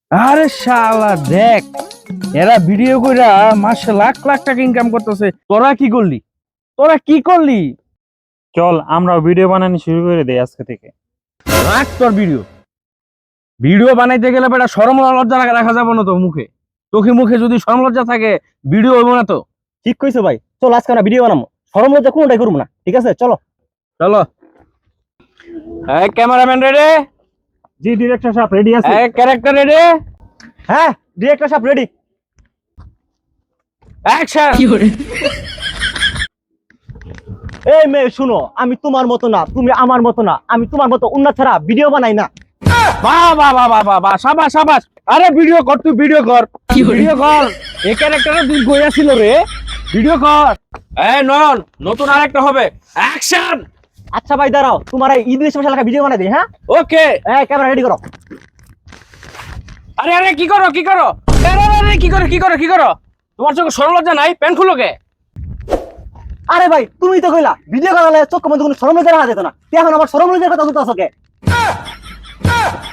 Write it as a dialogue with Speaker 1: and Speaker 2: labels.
Speaker 1: আরে শালা দেখ, এরা ভিডিও কইরা মাসে লাখ লাখ টাকা ইনকাম করতেছে। তোরা কি করলি? তোরা কি করলি?
Speaker 2: চল আমরাও ভিডিও বানানো শুরু করে দেই আজকে থেকে।
Speaker 1: রাখ তোর ভিডিও। ভিডিও বানাইতে গেলে বেটা শরম লজ্জা রাখা যাবে না তো মুখে। চোখে মুখে যদি শরম লজ্জা থাকে ভিডিও হইব না তো।
Speaker 3: ঠিক কইছো ভাই, চল আজকে আমরা ভিডিও বানাবো, শরম লজ্জা কোনোটাই করবো না, ঠিক আছে? চলো।
Speaker 1: চলো। এই ক্যামেরাম্যান রেডি?
Speaker 2: জি ডিরেক্টর সাহেব রেডি আছে।
Speaker 1: এই ক্যারেক্টার রেডি?
Speaker 3: হ্যাঁ, ডিরেক্টর সাহেব রেডি।
Speaker 1: অ্যাকশন।
Speaker 3: এই মেয়ে শুনো, আমি তোমার মতো না, তুমি আমার মতো না, আমি তোমার মতো উন্নত ছাড়া ভিডিও বানাই না।
Speaker 1: বাহ বাহ বাহ বাহ বাহ বাহ, সাবাস সাবাস। আরে ভিডিও কর, তুই ভিডিও কর, ভিডিও কর। এই ক্যারেক্টারে তুই গইয়া ছিল রে, ভিডিও কর। এই নয়ন, নতুন আরেকটা হবে। অ্যাকশন।
Speaker 3: আচ্ছা ভাই দাঁড়াও, তোমার এই ঈদ স্পেশাল একটা ভিডিও বানাই দিই। হ্যাঁ,
Speaker 1: ওকে।
Speaker 3: এই ক্যামেরা রেডি করো।
Speaker 1: আরে আরে কি করো কি করো? আরে আরে আরে, কি করো কি করো কি করো? তোমার চোখে শরম লজ্জা নাই? প্যান্ট খুলো কে?
Speaker 3: আরে ভাই, তুমি তো কইলা ভিডিও করালে চোখ মধ্যে কোনো শরম লজ্জা রাখা যেত না, এখন আমার শরম লজ্জার কথা বলতে আছো কে?